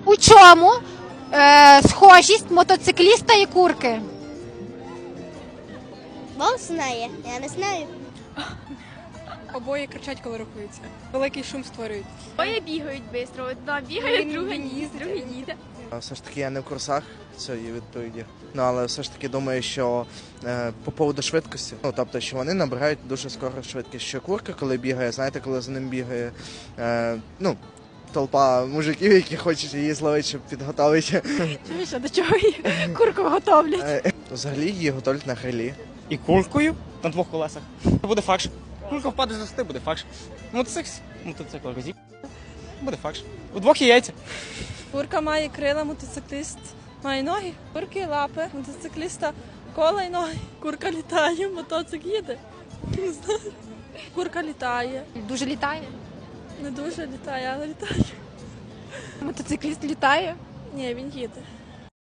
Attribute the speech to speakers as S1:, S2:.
S1: У чому схожість мотоцикліста і курки?
S2: Бог знає, я не знаю.
S3: Обоє кричать, коли рухаються. Великий шум створюють.
S4: Обоє бігають швидко. Одна бігає, друга ні, друга їде.
S5: Все ж таки я не в курсах цієї відповіді. Ну, але все ж таки думаю, що по поводу швидкості, ну, тобто, що вони набирають дуже скоро швидкість. Що курка, коли бігає, знаєте, коли за ним бігає, толпа мужиків, які хочуть її зловити, щоб підготовити.
S4: Чуєш, а до чого її курку готовлять?
S5: Взагалі її готують на грилі.
S6: І куркою на двох колесах. Буде факш. Курка впаде з гостей, буде факш. Мотоцикл розіб. Буде факш. У двох є яйця.
S3: Курка має крила, мотоцикліст має ноги. Курки лапи, мотоцикліста кола й ноги. Курка літає, мотоцикл їде. Не знаю. Курка літає.
S1: Дуже літає.
S3: Не дуже літає, але літає.
S1: Мотоцикліст літає.
S3: Ні, він їде.